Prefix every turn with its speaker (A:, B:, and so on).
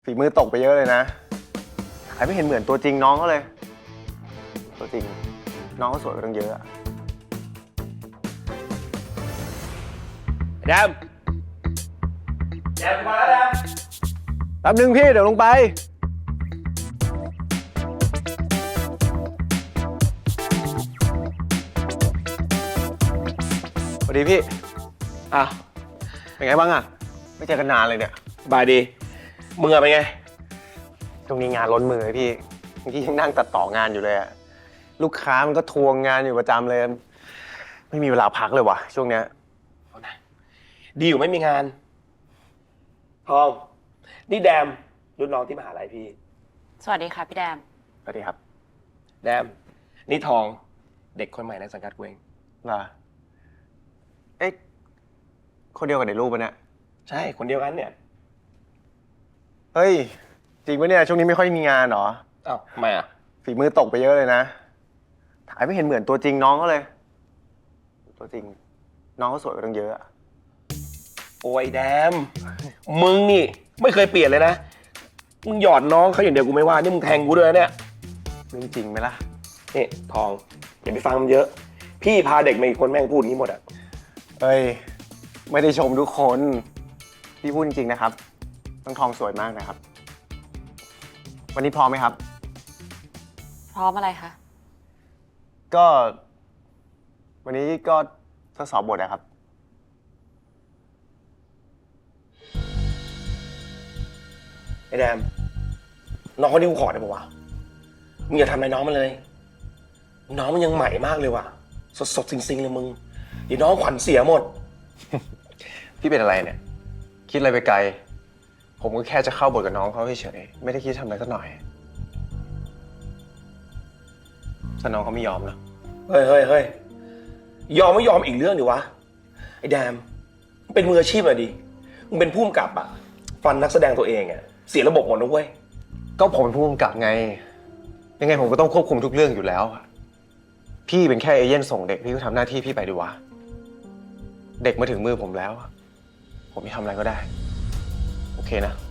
A: ฝีมือตกไปเยอะเลยนะใครไม่เห็นเหมือนตัวจริงน้องเขาเลย ตัวจริงน้องเขาสวยกว่าตั้งเยอะอะแดมมาแล้วแดมแป๊บนึงพี่เดี๋ยวลงไปสวัสดีพี่เป็นไงบ้างอะไม่เจอกันนานเลยเนี่ย
B: บายดีมึงอะเป็นไง
A: ตรงนี้งานล้นมือพี่เมื่อกี้ยังนั่งตัดต่องานอยู่เลยอะลูกค้ามันก็ทวงงานอยู่ประจำเลยไม่มีเวลาพักเลยว่ะช่วงเนี้ย
B: ดีอยู่ไม่มีงานทองนี่แดมรุ่นน้องที่มหาลัยพี่
C: สวัสดีค่ะพี่แดม
A: สวัสดีครับ
B: แดมนี่ทองเด็กคนใหม่ในสังกัดกูเอง
A: ล่ะเอ๊ะคนเดียวกับในรูปปะเนี่ย
B: ใช่คนเดียวกันเนี่ย
A: เฮ้ยจริงปะเนี่ยช่วงนี้ไม่ค่อยมีงานเหรอ
B: อ้าวทำไมอ่ะ
A: ฝีมือตกไปเยอะเลยนะถ่ายไม่เห็นเหมือนตัวจริงน้องเขาเลยตัวจริงน้องเขาสวยกว่าตั้งเยอะอะ
B: โอ้ยแดมมึงนี่ไม่เคยเปลี่ยนเลยนะมึงหยอดน้องเขาอย่างเดียวกูไม่ว่านี่มึงแทงกูด้วยเนี่ย
A: เรื่องจริงไหมล่ะ
B: นี่ทองอย่าไปฟังมันเยอะพี่พาเด็กมาอีกคนแม่งพูดอย่างนี้หมดอ่ะ
A: เฮ้ยไม่ได้ชมทุกคนพี่พูดจริงๆนะครับต้องทองสวยมากนะครับวันนี้พร้อมไหมครับ
C: พร้อมอะไรคะ
A: ก็วันนี้ก็ทดสอบบทนะครับ
B: ไอ้แดมน้องเขาดิวขอได้ปะวะมึงอย่าทำอะไรน้องมันเลยน้องมันยังใหม่มากเลยว่ะสดๆซิงๆเลยมึงเดี๋ยวน้องขวัญเสียหมด
A: พี่เป็นอะไรเนี่ยคิดอะไรไปไกลผมก็แค่จะเข้าบทกับน้องเขาเฉยๆไม่ได้คิดทำอะไรสักหน่อยถ้าน้องเขาไม่ยอมนะ
B: เฮ้ยยอมไม่ยอมอีกเรื่องดิวะไอ้แดมมึงเป็นมืออาชีพอะดิมึงเป็นผู้กำกับอะฟันนักแสดงตัวเองอะเสียระบบหมดนะเว้ย
A: ก็ผมเป็นผู้กำกับไงยังไงผมก็ต้องควบคุมทุกเรื่องอยู่แล้วพี่เป็นแค่เอเย่นส่งเด็กพี่ก็ทำหน้าที่พี่ไปดีวะเด็กมาถึงมือผมแล้วผมจะทำอะไรก็ได้โอเคนะ